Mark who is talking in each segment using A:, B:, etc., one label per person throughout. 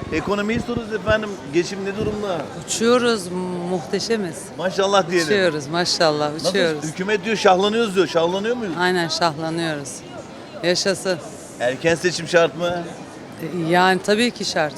A: Ekonomiyi soruyoruz efendim. Geçim ne durumda?
B: Uçuyoruz, muhteşemiz.
A: Maşallah diyelim.
B: Uçuyoruz maşallah, uçuyoruz.
A: Nasıl? Hükümet diyor şahlanıyoruz diyor. Şahlanıyor muyuz?
B: Aynen şahlanıyoruz. Yaşasın.
A: Erken seçim şart mı?
B: Yani tabii ki şart.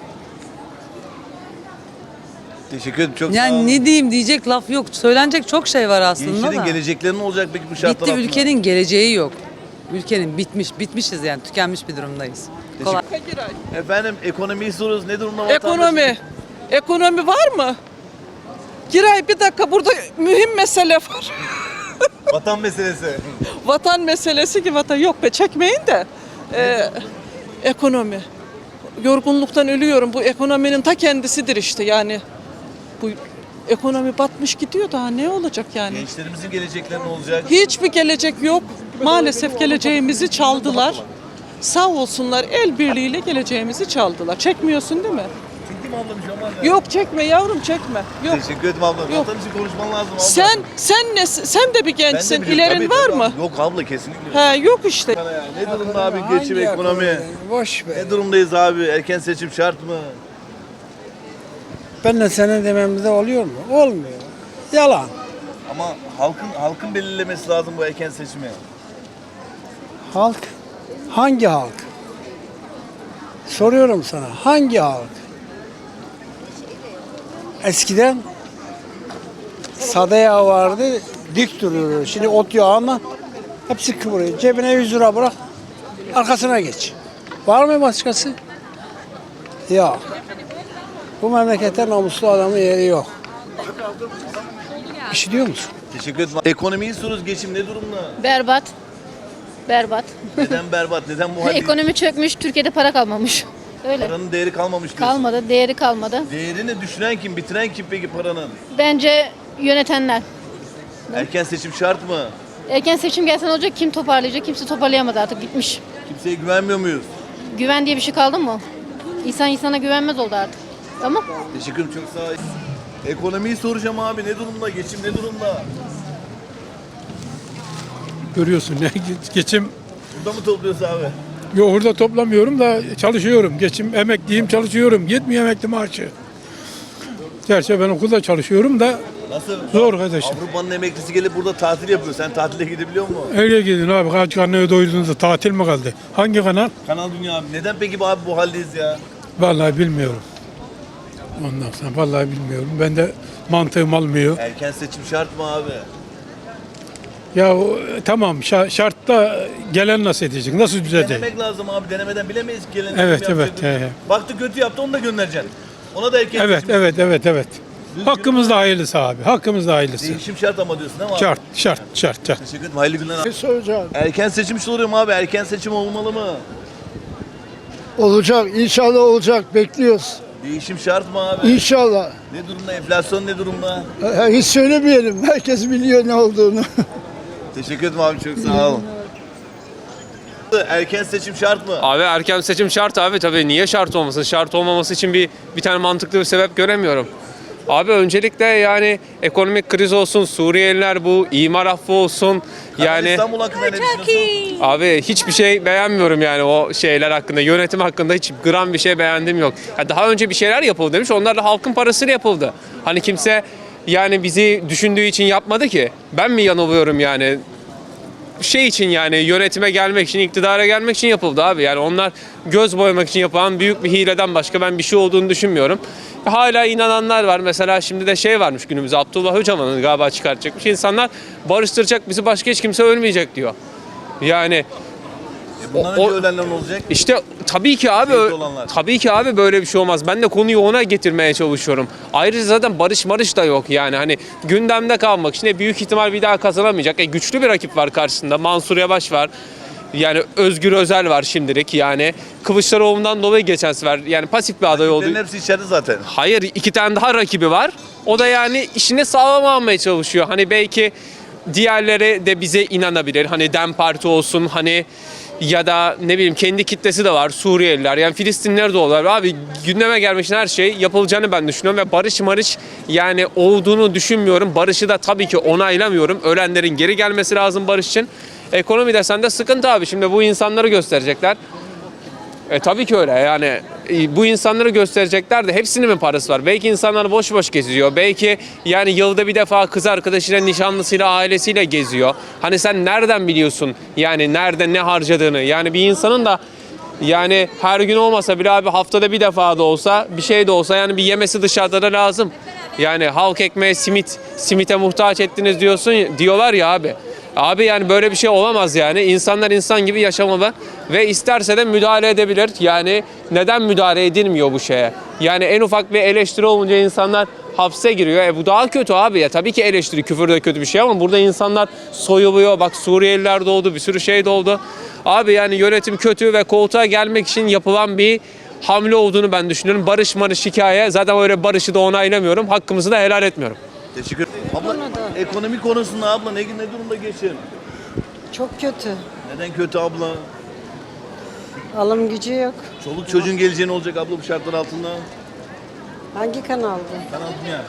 A: Teşekkür ederim. Çok sağ
B: Yani
A: olun.
B: ne diyeyim diyecek laf yok. Söylenecek çok şey var aslında
A: Gençlerin
B: da.
A: gelecekleri ne olacak peki bu şartlar
B: Bitti,
A: altında?
B: ülkenin geleceği yok. Ülkenin bitmişiz yani tükenmiş bir durumdayız. Kolay.
A: Efendim ekonomiyi soruyoruz. Ne durumda vatandaş?
C: Ekonomi var mı? Giray bir dakika, burada mühim mesele var.
A: Vatan meselesi.
C: Vatan meselesi ki vatan yok be, çekmeyin de. Ekonomi. Yorgunluktan ölüyorum. Bu ekonominin ta kendisidir işte yani. Bu ekonomi batmış gidiyor, daha ne olacak yani?
A: Gençlerimizin gelecekleri ne olacak?
C: Hiçbir gelecek yok. Maalesef geleceğimizi çaldılar. Sağ olsunlar, el birliğiyle geleceğimizi çaldılar. Çekmiyorsun değil mi?
A: Çektim ablam bir şey olmaz ya.
C: Yok çekme yavrum, çekme. Yok.
A: Teşekkür ederim ablam.
C: Yok.
A: Vatan için konuşman lazım abla.
C: Sen de bir
A: Ben de
C: gençsin.
A: biliyorum.
C: İlerin
A: Tabii,
C: var
A: tabii
C: mı?
A: abla. Yok abla kesinlikle.
C: He, yok işte.
A: Ne durumda abi geçim, ekonomi?
D: Boş ver.
A: Ne durumdayız abi? Erken seçim şart mı?
D: Ben de senin dememde oluyor mu? Olmuyor. Yalan.
A: Ama halkın belirlemesi lazım bu erken seçimi.
D: Halk. Hangi halk? Soruyorum sana. Hangi halk? Eskiden sade yağ vardı, dik duruyordu. Şimdi ot yağına hepsi kıvırıyor. Cebine 100 lira bırak, arkasına geç. Var mı başkası? Yok. Bu memlekette namuslu adamın yeri yok. Bir şey diyor musun?
A: Teşekkür ederim. Ekonomiyi soruyoruz. Geçim ne durumda?
E: Berbat. Berbat.
A: Neden berbat? Neden bu halde?
E: Ekonomi çökmüş, Türkiye'de para kalmamış. Öyle.
A: Paranın değeri kalmamış diyorsun.
E: Kalmadı, değeri kalmadı.
A: Değerini düşüren kim? Bitiren kim peki paranın?
E: Bence yönetenler.
A: Erken seçim şart mı?
E: Erken seçim gelse ne olacak? Kim toparlayacak? Kimse toparlayamadı, artık gitmiş.
A: Kimseye güvenmiyor muyuz?
E: Güven diye bir şey kaldı mı? İnsan insana güvenmez oldu artık. Tamam.
A: Teşekkür ederim. Çok sağ ol. Ekonomiyi soracağım abi. Ne durumda? Geçim ne durumda?
F: Görüyorsun ne geçim.
A: Burada mı topluyorsun abi?
F: Yok orada toplamıyorum da çalışıyorum. Geçim emekliyim çalışıyorum. Yetmiyor emekli maaşı. Gerçi ben okulda çalışıyorum da
A: Nasıl?
F: zor kardeşim.
A: Avrupa'nın emeklisi gelip burada tatil yapıyor. Sen tatile gidebiliyor musun?
F: Öyle gidin abi. Kaç karnını doyurduğunuzda tatil mi kaldı? Hangi kanal?
A: Kanal Dünya abi. Neden peki abi bu haldeyiz ya?
F: Vallahi bilmiyorum. Ondan sonra vallahi bilmiyorum. Ben de mantığım almıyor.
A: Erken seçim şart mı abi?
F: Ya tamam şartta gelen nasıl edecek? Nasıl düzelecek?
A: Denemek lazım abi. Denemeden bilemeyiz ki gelen.
F: Evet,
A: kim
F: evet,
A: yapacak. Baktı kötü yaptı onu da göndereceksin. Ona da erken
F: Evet,
A: seçim.
F: evet. Hakkımızda hayırlısı abi. Hakkımızda hayırlısı.
A: Değişim şart ama diyorsun değil mi abi?
F: Şart.
A: Teşekkür ederim. Hayırlı günler abi.
D: Soracağım.
A: Erken seçim soruyorum abi. Erken seçim olmalı mı?
D: Olacak, inşallah olacak. Bekliyoruz.
A: Değişim şart mı abi?
D: İnşallah.
A: Ne durumda? Enflasyon ne durumda?
D: Hiç söylemeyelim. Herkes biliyor ne olduğunu.
A: Teşekkür ederim abi. Çok sağ olun. Erken seçim şart mı?
G: Abi erken seçim şart abi, tabii niye şart olmasın? Şart olmaması için bir tane mantıklı bir sebep göremiyorum. Abi öncelikle yani ekonomik kriz olsun, Suriyeliler bu imar affı olsun yani
A: İstanbul hakkında ne düşünüyorsun?
G: abi hiçbir şey beğenmiyorum yani o şeyler hakkında, yönetim hakkında hiç gram bir şey beğendim yok. Ya daha önce bir şeyler yapıldı demiş, onlar da halkın parasıyla yapıldı. Hani kimse yani bizi düşündüğü için yapmadı ki. Ben mi yanılıyorum yani? Şey için yani yönetime gelmek için, iktidara gelmek için yapıldı abi. Yani onlar göz boyamak için yapılan büyük bir hileden başka ben bir şey olduğunu düşünmüyorum. Hala inananlar var. Mesela şimdi de şey varmış günümüzde, Abdullah Öcalan'ın galiba çıkartacakmış. İnsanlar barıştıracak bizi, başka hiç kimse ölmeyecek diyor. Yani
A: Bundan önce ölenler ne olacak?
G: işte tabii ki abi
A: Şehit olanlar.
G: tabii ki abi böyle bir şey olmaz. Ben de konuyu ona getirmeye çalışıyorum. Ayrıca zaten barış da yok yani. Hani gündemde kalmak için büyük ihtimal bir daha kazanamayacak. Güçlü bir rakip var karşısında. Mansur Yavaş var. Yani Özgür Özel var şimdilik yani. Kılıçdaroğlu'ndan dolayı geçen sefer yani pasif bir aday oldu.
A: Bunların hepsi içeride zaten.
G: Hayır, 2 tane daha rakibi var. O da yani işini sağlam almaya çalışıyor. Hani belki diğerleri de bize inanabilir. Hani DEM Parti olsun hani ya da ne bileyim kendi kitlesi de var, Suriyeliler yani Filistinliler de olabilir. Abi gündeme gelmek için her şey yapılacağını ben düşünüyorum ve barış yani olduğunu düşünmüyorum. Barışı da tabii ki onaylamıyorum. Ölenlerin geri gelmesi lazım barış için. Ekonomi desen de sıkıntı abi. Şimdi bu insanları gösterecekler. Tabii ki öyle yani bu insanları gösterecekler de hepsinin mi parası var? Belki insanlar boş boş geziyor. Belki yani yılda bir defa kız arkadaşıyla, nişanlısıyla, ailesiyle geziyor. Hani sen nereden biliyorsun yani nerede ne harcadığını? Yani bir insanın da yani her gün olmasa bile abi haftada bir defa da olsa bir şey de olsa yani bir yemesi dışarıda da lazım. Yani halk ekmeğe simite muhtaç ettiniz diyorlar ya abi. Abi yani böyle bir şey olamaz yani. İnsanlar insan gibi yaşamalı ve isterse de müdahale edebilir. Yani neden müdahale edilmiyor bu şeye? Yani en ufak bir eleştiri olunca insanlar hapse giriyor. Bu daha kötü abi ya. Tabii ki eleştiri, küfür de kötü bir şey ama burada insanlar soyuluyor. Bak Suriyeliler doğdu, bir sürü şey doğdu. Abi yani yönetim kötü ve koltuğa gelmek için yapılan bir hamle olduğunu ben düşünüyorum. Barış hikaye. Zaten öyle barışı da onaylamıyorum. Hakkımızı da helal etmiyorum.
A: Teşekkür ederim. Abla ekonomi konusunda abla ne durumda geçim?
H: Çok kötü.
A: Neden kötü abla?
H: Alım gücü yok.
A: Çoluk çocuğun geleceği ne olacak abla bu şartlar altında?
H: Hangi kanalda?
A: Kanal Dünya.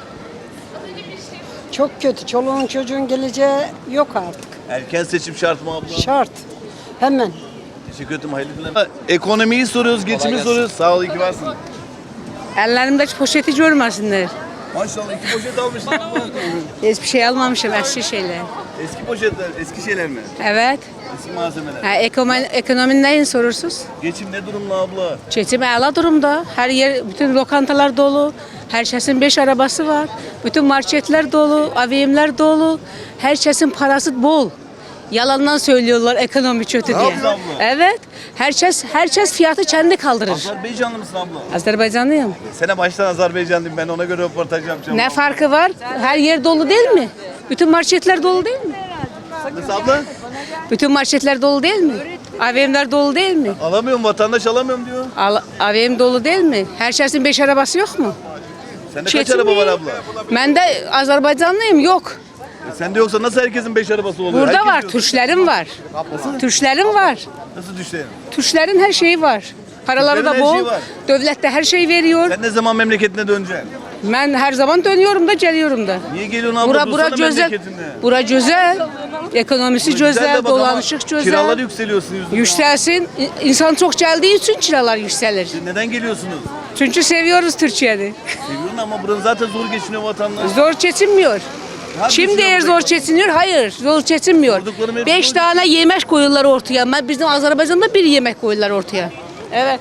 H: Çok kötü. Çoluğun çocuğun geleceği yok artık.
A: Erken seçim şart mı abla?
H: Şart. Hemen.
A: Teşekkür ederim. Hayırlı günler. Ekonomiyi soruyoruz, geçimi soruyoruz. Sağ ol, iyi ki varsın.
B: Ellerimdeki poşeti görmesinler.
A: Maşallah 2 poşet almışsın abla.
B: Hiçbir şey almamışım, eski şeyler.
A: Eski poşetler, eski şeyler mi?
B: Evet.
A: Eski malzemeler.
B: Ekonomi neyin sorursuz?
A: Geçim ne durumda abla?
B: Geçim âlâ durumda. Her yer, bütün lokantalar dolu. Herkesin 5 arabası var. Bütün marketler dolu, AVM'ler dolu. Herkesin parası bol. Yalandan söylüyorlar ekonomi kötü diye.
A: yaptın abla?
B: Evet. Herkes fiyatı kendi kaldırır.
A: Azerbaycanlı mısın abla?
B: Azerbaycanlıyım.
A: Sene baştan Azerbaycanlıyım, ben ona göre röportaj yapacağım.
B: Ne farkı var? Her yer dolu değil mi? Bütün marketler dolu değil mi?
A: Nasıl abla?
B: Bütün marketler dolu değil mi? AVM'ler dolu değil mi?
A: Alamıyorum, vatandaş alamıyorum diyor.
B: AVM dolu değil mi? Herkesin 5 arabası yok mu?
A: Sende kaç araba var abla?
B: Ben de Azerbaycanlıyım, yok.
A: Sende yoksa nasıl herkesin 5 arabası oluyor?
B: Burada
A: Herkes
B: var,
A: diyor.
B: Türklerim var.
A: Nasıl?
B: Türklerim var.
A: Nasıl düşlerin?
B: Türklerin her şeyi var. Paraları
A: Türklerin
B: da
A: her
B: bol.
A: şeyi var.
B: Devlet de her şeyi veriyor.
A: Sen ne zaman memleketine döneceksin?
B: Ben her zaman dönüyorum da geliyorum da.
A: Niye geliyorsun abla?
B: Bura
A: Dursana
B: güzel.
A: memleketinde.
B: Bura güzel. Ekonomisi
A: Güzel de
B: güzel,
A: bak ama
B: dolanışık güzel.
A: Kiralar yükseliyorsun yüzünden.
B: Yükselsin. İnsan çok geldiği için kiralar yükselir.
A: Neden geliyorsunuz?
B: Çünkü seviyoruz Türkiye'yi.
A: Seviyorsun ama buranın zaten zor geçiniyor vatandaş.
B: Zor geçinmiyor.
A: Hadi
B: Şimdi
A: şuna
B: eğer
A: bak.
B: zor geçiniyor, hayır zor geçinmiyor.
A: Sorduklarım hep
B: 5
A: zor.
B: tane yemek koyuyorlar ortaya. Bizim Azerbaycan'da bir yemek koyuyorlar ortaya. Evet.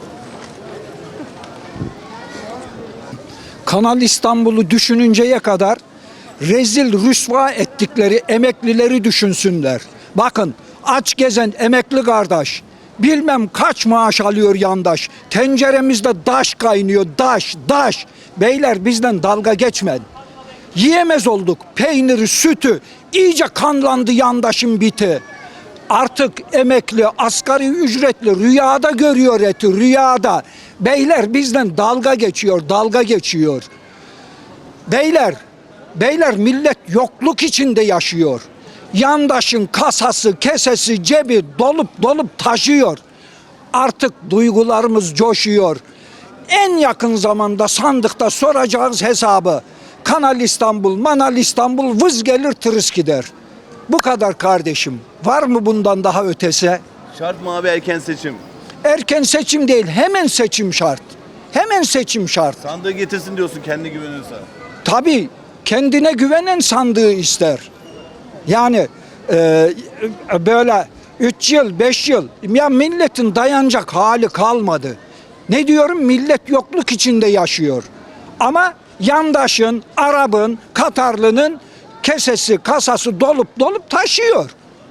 I: Kanal İstanbul'u düşününceye kadar rezil rüsva ettikleri emeklileri düşünsünler. Bakın aç gezen emekli kardeş bilmem kaç maaş alıyor yandaş. Tenceremizde daş kaynıyor, daş. Beyler bizden dalga geçmeyin. Yiyemez olduk peyniri, sütü. İyice kanlandı yandaşın biti. Artık emekli, asgari ücretli rüyada görüyor eti, rüyada. Beyler bizden dalga geçiyor. Beyler millet yokluk içinde yaşıyor. Yandaşın kasası, kesesi, cebi dolup taşıyor. Artık duygularımız coşuyor. En yakın zamanda sandıkta soracağız hesabı. Kanal İstanbul, Manal İstanbul vız gelir tırıs gider. Bu kadar kardeşim. Var mı bundan daha ötesi?
A: Şart mı abi erken seçim?
I: Erken seçim değil, hemen seçim şart. Hemen seçim şart.
A: Sandığı getirsin diyorsun kendi güveniyorsa.
I: Tabii kendine güvenen sandığı ister. Yani böyle 3 yıl, 5 yıl ya milletin dayanacak hali kalmadı. Ne diyorum? Millet yokluk içinde yaşıyor. Ama yandaşın, Arap'ın, Katarlı'nın kesesi, kasası dolup taşıyor.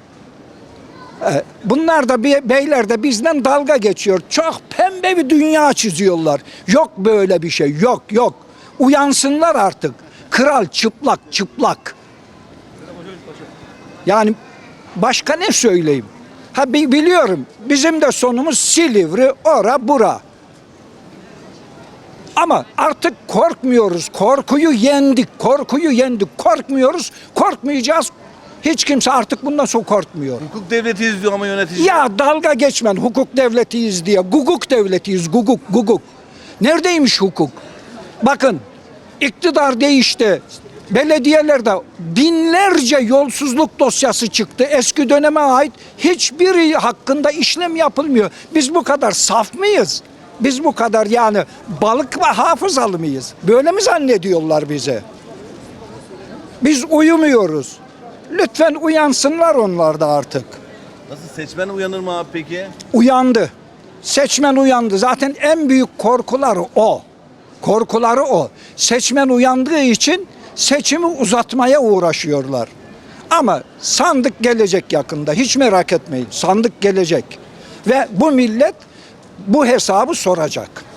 I: Bunlar da beyler de bizden dalga geçiyor. Çok pembe bir dünya çiziyorlar. Yok böyle bir şey, yok. Uyansınlar artık. Kral çıplak. Yani başka ne söyleyeyim? Biliyorum bizim de sonumuz Silivri, ora bura. Ama artık korkmuyoruz. Korkuyu yendik. Korkmuyoruz. Korkmayacağız. Hiç kimse artık bundan sonra korkmuyor.
A: Hukuk devletiyiz diyor ama yönetici.
I: Ya dalga geçmen hukuk devletiyiz diye. Guguk devletiyiz. Guguk. Neredeymiş hukuk? Bakın iktidar değişti. Belediyelerde binlerce yolsuzluk dosyası çıktı. Eski döneme ait hiçbiri hakkında işlem yapılmıyor. Biz bu kadar saf mıyız? Biz bu kadar yani balık ve hafızalı mıyız? Böyle mi zannediyorlar bize? Biz uyumuyoruz. Lütfen uyansınlar onlar da artık.
A: Nasıl, seçmen uyanır mı abi peki?
I: Uyandı. Seçmen uyandı. Zaten en büyük korkuları o. Korkuları o. Seçmen uyandığı için seçimi uzatmaya uğraşıyorlar. Ama sandık gelecek yakında. Hiç merak etmeyin. Sandık gelecek. Ve bu millet bu hesabı soracak.